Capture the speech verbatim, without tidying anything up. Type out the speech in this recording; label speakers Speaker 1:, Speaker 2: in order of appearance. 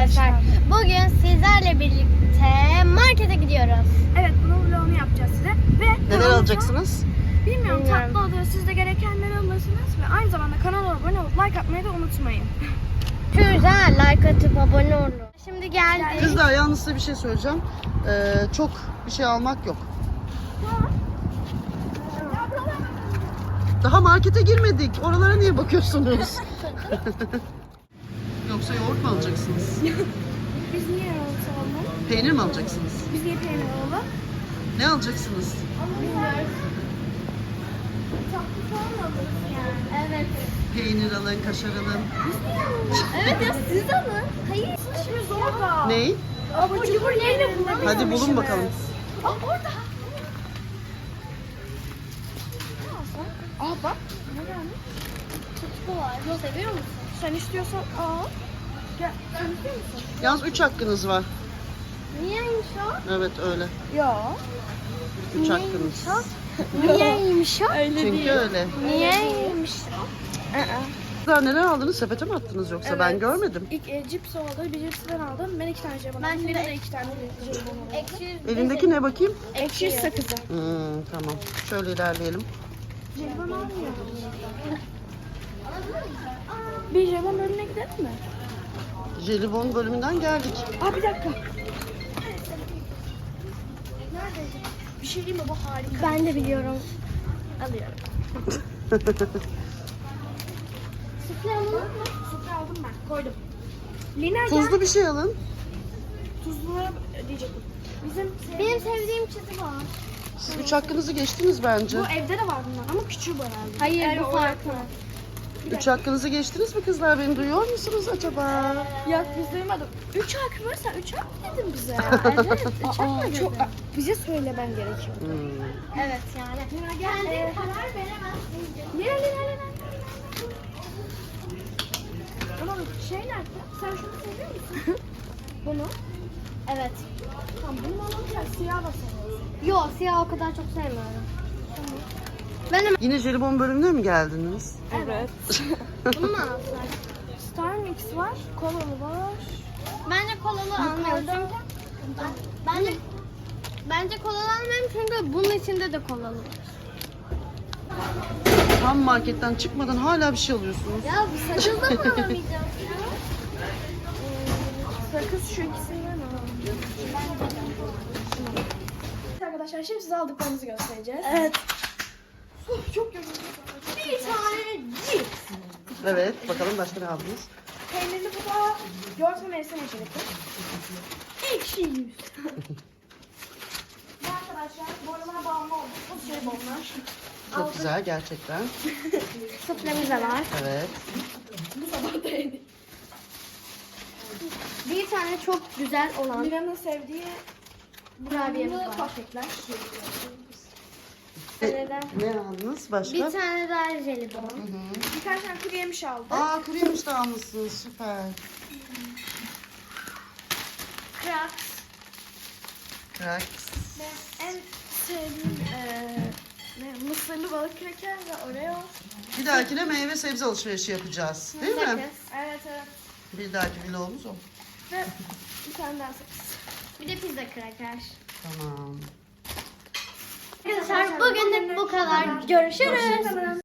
Speaker 1: arkadaşlar. Bugün sizlerle birlikte markete gidiyoruz.
Speaker 2: Evet, bunun vlogunu yapacağız size. Ve
Speaker 3: Neler alacaksınız?
Speaker 2: Bilmiyorum,
Speaker 1: Bilmiyorum.
Speaker 2: tatlı olur. Siz de gerekenleri alırsınız. Ve aynı zamanda kanala abone olup like atmayı da unutmayın.
Speaker 1: Güzel, like atıp abone olun. Şimdi geldik.
Speaker 3: Kızlar yalnız size bir şey söyleyeceğim. Ee, çok bir şey almak yok. Daha markete girmedik. Oralara niye bakıyorsunuz? Yoksa yoğurt mu alacaksınız?
Speaker 2: Biz niye yoğurt alalım?
Speaker 3: Peynir mi alacaksınız?
Speaker 2: Biz niye peynir alalım?
Speaker 3: Ne alacaksınız?
Speaker 2: Bilmiyoruz. Tatlı falan mı alırız yani?
Speaker 1: Evet.
Speaker 3: Peynir alın, kaşar alın.
Speaker 1: Evet ya siz alın. Hayır.
Speaker 2: İşimiz orada.
Speaker 3: Ney?
Speaker 2: Abur cubur yerine bulun.
Speaker 3: Hadi bulun bakalım.
Speaker 2: Aa, orada. Aa bak. Ne gelmiş?
Speaker 1: Tutku var. Yok seviyor musun?
Speaker 2: Sen istiyorsan al. Gel. Sen istiyor musun?
Speaker 3: Yalnız üç hakkınız var.
Speaker 1: Niyeymiş o?
Speaker 3: Evet öyle.
Speaker 2: Yok.
Speaker 3: Üç hakkınız.
Speaker 1: Niyeymiş o?
Speaker 2: Öyle
Speaker 3: Çünkü öyle.
Speaker 1: Niyeymiş o?
Speaker 3: Kızlar neler aldınız? Sepete mi attınız yoksa? Ben
Speaker 2: Evet.
Speaker 3: görmedim.
Speaker 2: İlk e, cips oldu. Bir cips ben aldım. Ben iki tane jelibon
Speaker 1: Ben
Speaker 2: aldım.
Speaker 1: şimdi-
Speaker 2: Benim de iki tane jelibon aldım.
Speaker 1: Ekşi.
Speaker 3: Elindeki ne bakayım?
Speaker 2: Ekşi sakızı.
Speaker 3: Hmm, tamam. Şöyle ilerleyelim.
Speaker 2: Jelibon almıyorum. Bir jelibon bölümüne gidelim mi?
Speaker 3: Jelibon bölümünden geldik.
Speaker 2: Aa bir dakika. Bir şey diyeyim mi? Bu harika.
Speaker 1: Ben de biliyorum.
Speaker 2: Alıyorum.
Speaker 1: Süfle alın mı?
Speaker 2: Sütü aldım ben. Koydum. Lina gel.
Speaker 3: Tuzlu bir şey alın.
Speaker 2: Tuzlulara diyecektim. Bizim
Speaker 1: Benim sevdiğim çizgi var.
Speaker 3: Siz üç hakkınızı geçtiniz bence.
Speaker 2: bu evde de var bunlar ama küçüğü bu herhalde.
Speaker 1: Hayır
Speaker 2: Evet,
Speaker 1: bu
Speaker 2: o
Speaker 1: farklı.
Speaker 3: Üç hakkınızı geçtiniz mi kızlar? Beni duyuyor musunuz acaba?
Speaker 2: Yok biz duymadık. Üç hak mı? Sen üç hak mı dedin bize?
Speaker 1: Evet. Üç hak mı
Speaker 2: çok,
Speaker 1: dedin?
Speaker 2: bize söylemen gerekiyor.
Speaker 3: Hmm.
Speaker 1: Evet yani.
Speaker 2: Lina gel.
Speaker 1: Kendin
Speaker 2: Ee,
Speaker 1: karar veremezsin.
Speaker 2: Lina Lina Lina. Ama şey nerede? Sen şunu seviyor musun? Bunu.
Speaker 1: Evet.
Speaker 2: Tamam bunu alalım ya siyah da seviyorsun.
Speaker 1: Yok siyah o kadar çok sevmiyorum. Ben de
Speaker 3: Yine jelibon bölümüne mi geldiniz?
Speaker 2: Evet.
Speaker 1: bunu mu alsak?
Speaker 2: Star Mix var, kolalı var.
Speaker 1: Bence kolalı almayalım çünkü bence bence kolalı almayalım çünkü bunun içinde de kolalı var.
Speaker 3: Tam marketten çıkmadan hala bir şey alıyorsunuz.
Speaker 1: Ya bu sakız da mı alamayacağız ya?
Speaker 2: Sakız şu ikisinden alalım. Evet arkadaşlar şimdi size aldıklarımızı göstereceğiz.
Speaker 1: Evet.
Speaker 2: Of, çok yoruldum.
Speaker 1: Bir tane cips.
Speaker 3: Evet, bakalım başka ne aldınız?
Speaker 2: Peynirli bu da yoğurt ve mevsim içerikli.
Speaker 1: Ekşi yüz.
Speaker 2: Bu arkadaşlar bu aralar bağımlı olduk. Bu şey bonlar.
Speaker 3: Çok güzel gerçekten.
Speaker 1: Sütlemiz de var.
Speaker 3: Evet.
Speaker 2: Bu sabah da yedik.
Speaker 1: Bir tane çok güzel olan
Speaker 2: Mira'nın sevdiği
Speaker 1: kurabiyemiz
Speaker 2: brownie'li
Speaker 1: var.
Speaker 2: pankekler.
Speaker 1: Bir tane
Speaker 3: Ne aldınız başka?
Speaker 1: Bir tane daha jelibon.
Speaker 2: Birkaç tane kuru yemiş aldım.
Speaker 3: Aa kuru yemiş de almışsınız süper.
Speaker 1: Crafts.
Speaker 3: Cracks.
Speaker 2: En sevdiğim eee ne, mısırlı balık kraker ve Oreo.
Speaker 3: Bir dahakine meyve sebze alışverişi yapacağız. Değil mi?
Speaker 1: Sakız.
Speaker 2: Evet evet.
Speaker 3: Bir dahaki vlogumuz o.
Speaker 2: Ve bir tane daha sakız.
Speaker 1: Bir de pizza kraker.
Speaker 3: Tamam.
Speaker 1: Arkadaşlar bugün de bu kadar. Görüşürüz.
Speaker 2: Hoşçakalın.